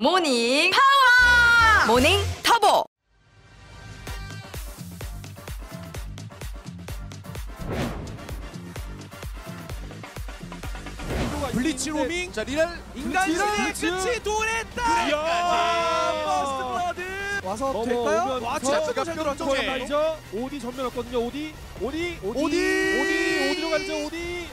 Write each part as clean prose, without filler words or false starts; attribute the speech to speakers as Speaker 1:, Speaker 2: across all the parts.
Speaker 1: 모닝 파워! 모닝 터보!
Speaker 2: 블리츠 로밍.
Speaker 3: 자 리랄
Speaker 2: 인간신의 끝이 도래했다. 버스트 블러드 와서 될까요? 와 진짜 잘 들어왔죠.
Speaker 4: 가죠. 오디 전면 없거든요. 오디로 가죠. 오디.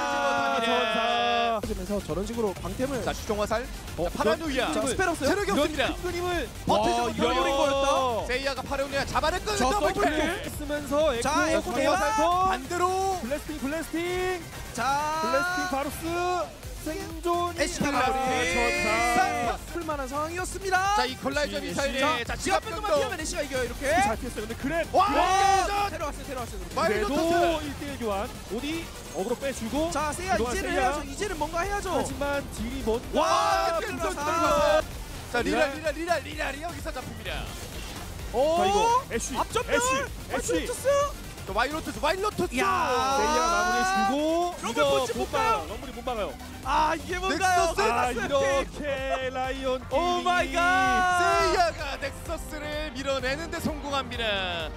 Speaker 4: 전사.
Speaker 2: 하면서 저런 식으로 방템을.
Speaker 3: 자 슈종화살. 자 파라누이아.
Speaker 2: 자 스펠 없어요.
Speaker 3: 체력이 없습니다.
Speaker 4: 그림을
Speaker 3: 버티지 못하는
Speaker 2: 이런 거였다.
Speaker 3: 세이야가 파라누이아 잡아냈고
Speaker 2: 저
Speaker 3: 더블킬.
Speaker 4: 쓰면서
Speaker 2: 자, 에코
Speaker 4: 대박.
Speaker 3: 반대로
Speaker 4: 블래스팅.
Speaker 2: 자
Speaker 4: 블래스팅 바루스. 생존.
Speaker 2: 애쉬가
Speaker 4: 전사.
Speaker 2: 풀만한 상황이었습니다.
Speaker 3: 자 이 콜라이저 미사일에 자
Speaker 2: 지갑 밴드만 피하면 애쉬가 이겨요 이렇게.
Speaker 4: 잘 피했어요. 근데 그래.
Speaker 2: 와 데려왔어요.
Speaker 4: 그래도
Speaker 3: 마이로토스.
Speaker 4: 1대1 교환. 오디 어그로 빼주고.
Speaker 2: 자 세야
Speaker 4: 그동안
Speaker 2: 이제는
Speaker 4: 세이야.
Speaker 2: 해야죠. 이제는 뭔가 해야죠.
Speaker 4: 하지만 딜이 뭔.
Speaker 2: 와
Speaker 3: 들어가서. 자
Speaker 4: 리랄.
Speaker 3: 리랄이 여기서 잡힙니다.
Speaker 2: 오
Speaker 4: 자 이거 애쉬.
Speaker 2: 앞전멸.
Speaker 4: 애쉬.
Speaker 3: 자 와일로토스.
Speaker 2: 야.
Speaker 4: 세이야가 마무리해주고.
Speaker 2: 럼블 punch 못 가요.
Speaker 4: 럼블이 못 막아요.
Speaker 2: 아 이게 뭔가요?
Speaker 3: 넥서스.
Speaker 4: 아 이렇게 라이온.
Speaker 2: 오 마이 갓.
Speaker 3: 세이야가 넥서스를 밀어내는데 성공합니다.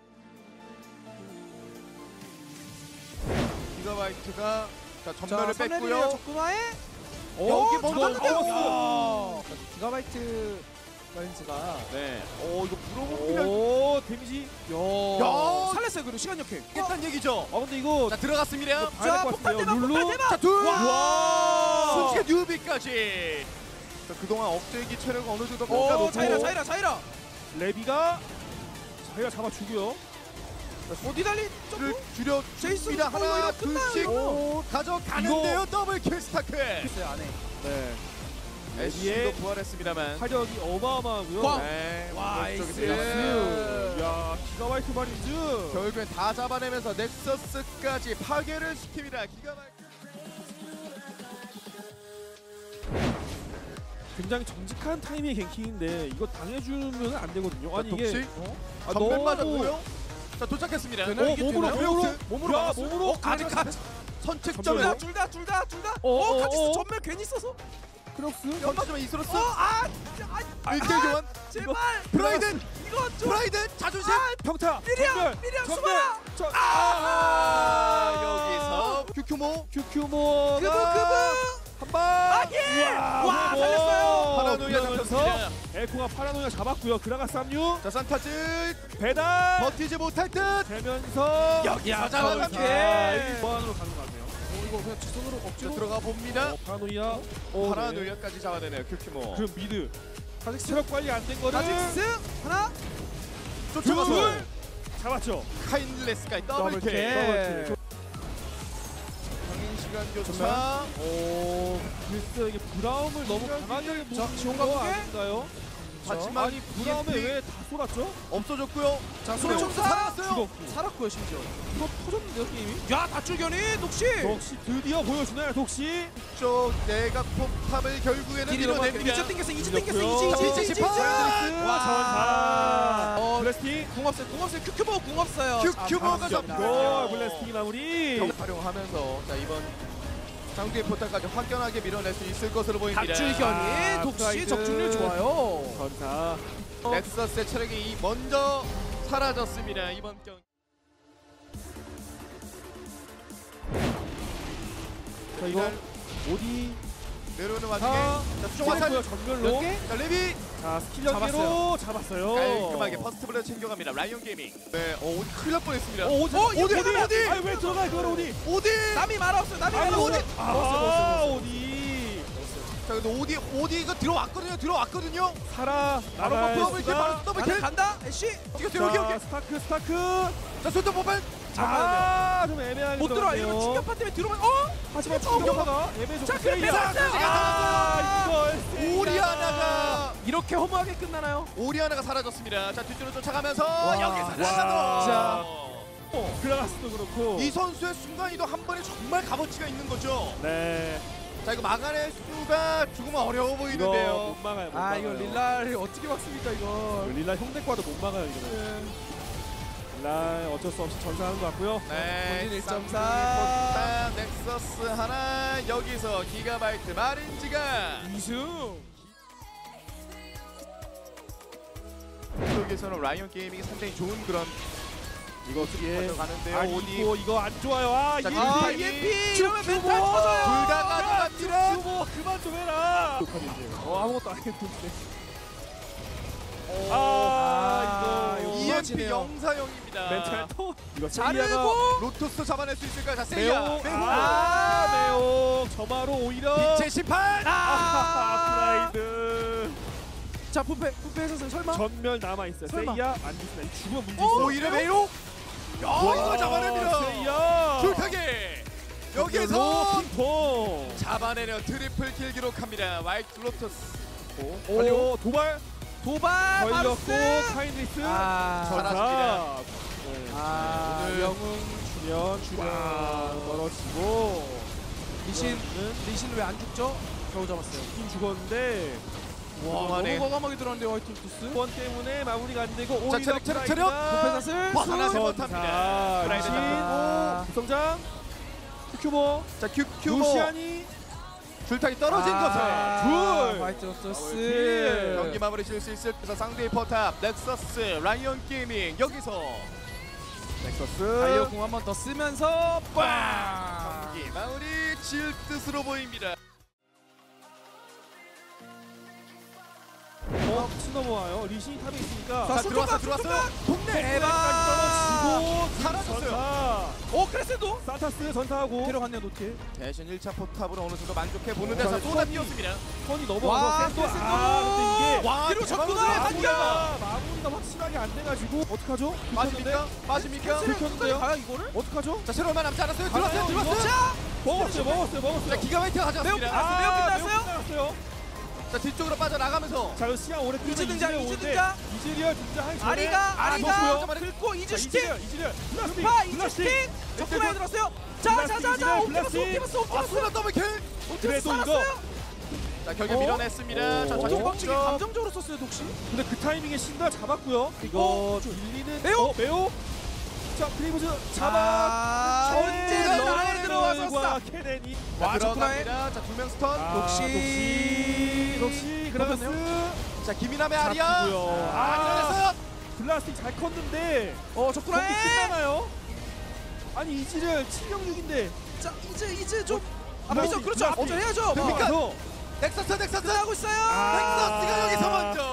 Speaker 3: 기가바이트가 자 전멸을 뺐고요.
Speaker 2: 적금화에
Speaker 3: 여기 먼저
Speaker 2: 기가바이트 마인즈가
Speaker 3: 네. 이거 물어봅니다.
Speaker 4: 오 데미지.
Speaker 3: 야.
Speaker 2: 살렸어요. 그리고 시간 역행.
Speaker 3: 깼단 얘기죠.
Speaker 4: 근데 이거
Speaker 3: 자 들어갔습니다.
Speaker 4: 봐야 될것
Speaker 2: 폭발
Speaker 4: 같아요.
Speaker 2: 대박,
Speaker 4: 룰루.
Speaker 2: 폭발 대박.
Speaker 3: 자 둘.
Speaker 4: 와.
Speaker 3: 순식간 뉴비까지. 자 그동안 억제기 체력 어느 정도
Speaker 2: 오
Speaker 3: 깎아놓고
Speaker 2: 자이라.
Speaker 4: 레비가 자기가 잡아주고요.
Speaker 2: 어디 달리?
Speaker 3: 를 줄여
Speaker 2: 제이슨
Speaker 3: 줍니다. 하나
Speaker 2: 이거 끝나요,
Speaker 3: 둘씩
Speaker 2: 이거.
Speaker 3: 가져가는데요. 더블킬 스타크.
Speaker 2: 있어요 안에.
Speaker 4: 네.
Speaker 3: 애쉬도 부활했습니다만.
Speaker 4: 화력이 어마어마하고요.
Speaker 2: 꽝.
Speaker 3: 네.
Speaker 2: 와,
Speaker 3: 오른쪽에
Speaker 2: 에이스.
Speaker 3: 들어갔어요.
Speaker 4: 야 기가바이트 마린즈.
Speaker 3: 결국엔 다 잡아내면서 넥서스까지 파괴를 시킵니다. 기가바이트.
Speaker 4: 굉장히 정직한 타이밍의 갱킹인데 이거 당해주면 안 되거든요. 아니 이게
Speaker 3: 독식?
Speaker 4: 아,
Speaker 3: 전멸
Speaker 4: 너무-
Speaker 3: 맞았고요. 자 도착했습니다.
Speaker 2: 되나요? 이게
Speaker 4: 몸으로
Speaker 2: 되나요?
Speaker 4: 몸으로
Speaker 2: 막았어요?
Speaker 4: 몸으로
Speaker 3: 아직 선책점에
Speaker 4: 전멸.
Speaker 2: 둘 다. 같이 전멸 괜히 써서.
Speaker 4: 크록스.
Speaker 3: 연마지만 이스로스
Speaker 2: 진짜
Speaker 3: 1대 교환.
Speaker 2: 제발.
Speaker 3: 프라이든
Speaker 2: 이거 좀.
Speaker 3: 프라이든 자존심.
Speaker 4: 평타.
Speaker 2: 미리암 수마.
Speaker 3: 여기서 큐큐모
Speaker 4: 큐큐모가
Speaker 2: 그브.
Speaker 4: 한방.
Speaker 2: 예. 와 살렸어요.
Speaker 3: 파라노이아 잡혔습니다.
Speaker 4: 에코가 파라노이아 잡았고요. 그라가 쌈유
Speaker 3: 자 산타즈
Speaker 4: 배달
Speaker 3: 버티지 못할 듯.
Speaker 4: 되면서
Speaker 3: 여기서 잡아갑니다.
Speaker 4: 보안으로 가는 것 같네요.
Speaker 2: 이거 그냥 지손으로
Speaker 3: 자,
Speaker 2: 억지로.
Speaker 3: 들어가 봅니다.
Speaker 4: 파라노이아.
Speaker 3: 파라노이아까지 잡아내네요. 큐큐모.
Speaker 4: 그럼 미드.
Speaker 2: 카직스.
Speaker 4: 체력 관리 안 된 거를
Speaker 2: 하나.
Speaker 3: 쫓아가서
Speaker 4: 잡았죠.
Speaker 3: 카인레스까지
Speaker 2: 더블킬.
Speaker 3: 더블킬. 시간 교차.
Speaker 4: 오, 글쎄 이게 브라움을 너무 강하게
Speaker 2: 지원
Speaker 4: 보는 거
Speaker 2: 가볼게.
Speaker 4: 아닌가요?
Speaker 3: 하지만
Speaker 4: 아니 브라움에
Speaker 3: EMP
Speaker 4: 왜 다 쏟았죠?
Speaker 3: 없어졌고요.
Speaker 2: 자
Speaker 3: 소리
Speaker 2: 소총사.
Speaker 3: 살아났어요.
Speaker 4: 죽었고
Speaker 2: 살았고요 심지어.
Speaker 4: 이거 터졌는데요 게임이?
Speaker 2: 야 다출견이 녹시.
Speaker 4: 독시 드디어 보여주나요 독시?
Speaker 3: 쪽 내각 폭탑을 결국에는 밀어냅니다.
Speaker 2: 이제 땡겼어.
Speaker 4: 이제
Speaker 3: 이제
Speaker 4: 전사 블래스팅
Speaker 2: 궁 없어요. 큐큐버 궁 없어요.
Speaker 3: 큐큐버가
Speaker 4: 오 블래스팅 마무리
Speaker 3: 활용하면서 자 이번 장두의 포탈까지 확연하게 밀어낼 수 있을 것으로 보입니다.
Speaker 2: 다출견이 독시
Speaker 4: 프라이드.
Speaker 2: 적중률 좋아요.
Speaker 4: 전사
Speaker 3: 넥서스의 체력이 먼저 사라졌습니다. 이번 경기.
Speaker 4: 자 이거 오디
Speaker 3: 내려오는 와중에
Speaker 4: 자
Speaker 3: 수종 화살.
Speaker 4: 전멸로
Speaker 3: 자 레비
Speaker 4: 자 스킬 연계로 잡았어요.
Speaker 3: 깔끔하게 퍼스트 블레드 챙겨갑니다. 라이온 게이밍. 네, 오디 큰일 날 뻔했습니다.
Speaker 4: 오디
Speaker 3: 어디?
Speaker 4: 아니 왜 들어가 그걸 오디?
Speaker 3: 오디.
Speaker 2: 남이 말았어요. 남이
Speaker 3: 아니,
Speaker 2: 말았어요.
Speaker 3: 어디?
Speaker 4: 오디
Speaker 3: 자 근데 오디가 들어왔거든요.
Speaker 4: 살아
Speaker 3: 바로
Speaker 4: 나갈
Speaker 3: 더블킬
Speaker 4: 수가.
Speaker 3: 바로 더블킬.
Speaker 2: 간다. 애쉬.
Speaker 3: 여기.
Speaker 4: 자, 스타크
Speaker 3: 자 손톱 뽑아.
Speaker 4: 좀 애매하게
Speaker 2: 못 들어와.
Speaker 4: 들어갔네요.
Speaker 2: 이거 충격파 때문에 들어오면
Speaker 4: 하지만 충격파가 애매해서
Speaker 2: 자, 그래,
Speaker 4: 이걸
Speaker 3: 오리아나가
Speaker 2: 이렇게 허무하게 끝나나요?
Speaker 3: 오리아나가 사라졌습니다. 자 뒷뒤로 쫓아가면서
Speaker 2: 와,
Speaker 3: 여기서
Speaker 2: 진짜.
Speaker 4: 그라가스도 그렇고
Speaker 3: 이 선수의 순간이동 한 번에 정말 값어치가 있는 거죠.
Speaker 4: 네
Speaker 3: 자 이거 막아낼 수가 조금 어려워
Speaker 4: 이거
Speaker 3: 보이는데요.
Speaker 4: 못 막아요 못
Speaker 2: 아
Speaker 4: 막아요.
Speaker 2: 이거 릴라를 어떻게 막습니까 이거?
Speaker 4: 릴라 형대과도 못 막아요 이거는 릴라 어쩔 수 없이 전사하는 것 같고요.
Speaker 3: 네,
Speaker 2: 본인 1.4.
Speaker 3: 쌍둥이 포탑, 넥서스 하나, 여기서 기가바이트 마린즈가
Speaker 4: 2승
Speaker 3: 쪽에서는 라이언 게이밍이 상당히 좋은 그런
Speaker 4: 이거 예.
Speaker 3: 가는데요.
Speaker 4: 아니
Speaker 3: 오디
Speaker 4: 이거 안 좋아요. 아
Speaker 3: 자,
Speaker 4: EMP.
Speaker 2: EMP 이러면 멘탈 터져요.
Speaker 3: 둘 다 가져갑니다.
Speaker 4: 뭐 그만 좀 해라. 아무것도 안 했는데. 이거
Speaker 3: EMP 영사형입니다.
Speaker 4: 멘탈 터. 이거
Speaker 2: 자르고
Speaker 4: 세이야가
Speaker 3: 로토스 잡아낼 수 있을까요? 자,
Speaker 4: 매우
Speaker 3: 세이야.
Speaker 4: 매우 저마로 오히려
Speaker 3: 빛의 심판.
Speaker 4: 프라이드
Speaker 2: 자 부패 선수 설마
Speaker 4: 전멸 남아 있어요.
Speaker 2: 설마.
Speaker 4: 세이야 안 죽으면 죽으면 문제 있어.
Speaker 3: 오히려 매우. 이거 잡아냅니다.
Speaker 4: 세이야.
Speaker 3: 줄타게. 여기서
Speaker 4: 핑퐁.
Speaker 3: 잡아내려 트리플 킬 기록합니다. 화이트 로토스.
Speaker 4: 오 도발
Speaker 2: 도발
Speaker 4: 걸렸고
Speaker 2: 바루스.
Speaker 4: 카인리스
Speaker 3: 사라집니다. 오늘
Speaker 4: 영웅 주면 떨어지고
Speaker 2: 리신 왜 안 죽죠? 겨우 잡았어요.
Speaker 4: 죽긴 죽었는데
Speaker 2: 와
Speaker 3: 그동안에-
Speaker 2: 너무 과감하게 들어왔는데 화이트 로토스.
Speaker 4: 번 때문에 마무리가 안 되고
Speaker 3: 자,
Speaker 4: 오히려
Speaker 3: 체력.
Speaker 2: 부패 사슬
Speaker 3: 벗어나지 못합니다. 프라이드
Speaker 4: 리신
Speaker 2: 잡았고.
Speaker 4: 구성장 큐큐모
Speaker 3: 자, 큐큐모
Speaker 4: 루시안이
Speaker 3: 줄타기 떨어진 것을
Speaker 4: 둘.
Speaker 2: 화이트 로토스.
Speaker 4: 더블
Speaker 3: 경기 마무리 지을 수 있을 그래서 상대의 포탑 넥서스 라이언 게이밍 여기서
Speaker 4: 넥서스
Speaker 2: 달려공 한 번 더 쓰면서 빵.
Speaker 3: 경기 마무리 지을 뜻으로 보입니다.
Speaker 4: 넘어와요. 리신이 탑에 있으니까
Speaker 2: 자,
Speaker 3: 자, 들어왔어요. 동네
Speaker 4: 까지 떨어지고
Speaker 3: 사라졌어요.
Speaker 2: 오 크레센도
Speaker 4: 산타스 전사하고
Speaker 2: 데려갔네요 노틸.
Speaker 3: 대신 1차 포탑으로 어느 정도 만족해 보는
Speaker 4: 자,
Speaker 3: 데서 쏟아
Speaker 4: 선이-
Speaker 3: 뛰었습니다.
Speaker 4: 선이
Speaker 2: 와,
Speaker 4: 넘어가서 샌도
Speaker 2: 샌도!
Speaker 4: 근데 이게
Speaker 3: 와,
Speaker 2: 뒤로
Speaker 3: 대박이다.
Speaker 2: 접근을
Speaker 4: 마무리가 확실하게 안 돼가지고 어떡하죠?
Speaker 3: 빠집니까? 빠집니까?
Speaker 4: 들켰는데요?
Speaker 2: 가요 이거를?
Speaker 4: 어떡하죠?
Speaker 3: 자, 새로운 만 남지 않았어요.
Speaker 4: 가나요,
Speaker 3: 들어왔어요.
Speaker 4: 이거? 먹었어요.
Speaker 3: 자, 기가 막히게 가져왔습니다.
Speaker 2: 매우 끝났어요?
Speaker 4: 끝났어요.
Speaker 3: 자, 뒤쪽으로 빠져나가면서
Speaker 4: 자, 이거 시간 오래 끌면
Speaker 2: 이즈 등장,
Speaker 4: 이즈리얼
Speaker 2: 이즈
Speaker 4: 오는데
Speaker 2: 등장.
Speaker 4: 이즈리얼 등장하기 전에
Speaker 2: 아리가
Speaker 3: 좋고요.
Speaker 2: 긁고 이즈 슈팅.
Speaker 4: 이즈리얼
Speaker 2: 파 이즈 슈팅. 적군에 들었어요. 자자자자 옵티머스
Speaker 3: 아스나 더블킬.
Speaker 4: 그래도 이거
Speaker 2: 살았어요.
Speaker 3: 자, 결국
Speaker 4: 어?
Speaker 3: 밀어냈습니다. 자,
Speaker 2: 엄청
Speaker 3: 자,
Speaker 2: 빡치게
Speaker 3: 점.
Speaker 2: 감정적으로 썼어요 독시.
Speaker 4: 근데 그 타이밍에 신다 잡았고요. 이거 밀리는
Speaker 2: 매우?
Speaker 4: 매우 자, 크리브즈 잡아
Speaker 2: 언제나 안에 들어와서
Speaker 4: 과
Speaker 2: 싹.
Speaker 4: 케넨이
Speaker 2: 와,
Speaker 3: 들어갑니다. 자, 2명 스턴.
Speaker 4: 녹시 그라가스
Speaker 3: 자, 김이남의 아리아.
Speaker 4: 잡고요.
Speaker 3: 밀어냈어요.
Speaker 4: 블라스틱 잘 컸는데 경기
Speaker 2: 적군에.
Speaker 4: 끝나나요? 아니 이지를 706인데
Speaker 2: 자 이즈 좀
Speaker 4: 블라스틱,
Speaker 2: 앞이죠. 그렇죠.
Speaker 4: 블라스틱.
Speaker 2: 앞전 해야죠.
Speaker 3: 됩니까?
Speaker 4: 가서
Speaker 3: 넥서스.
Speaker 2: 끝나고 있어요.
Speaker 3: 넥서스가 여기서 먼저.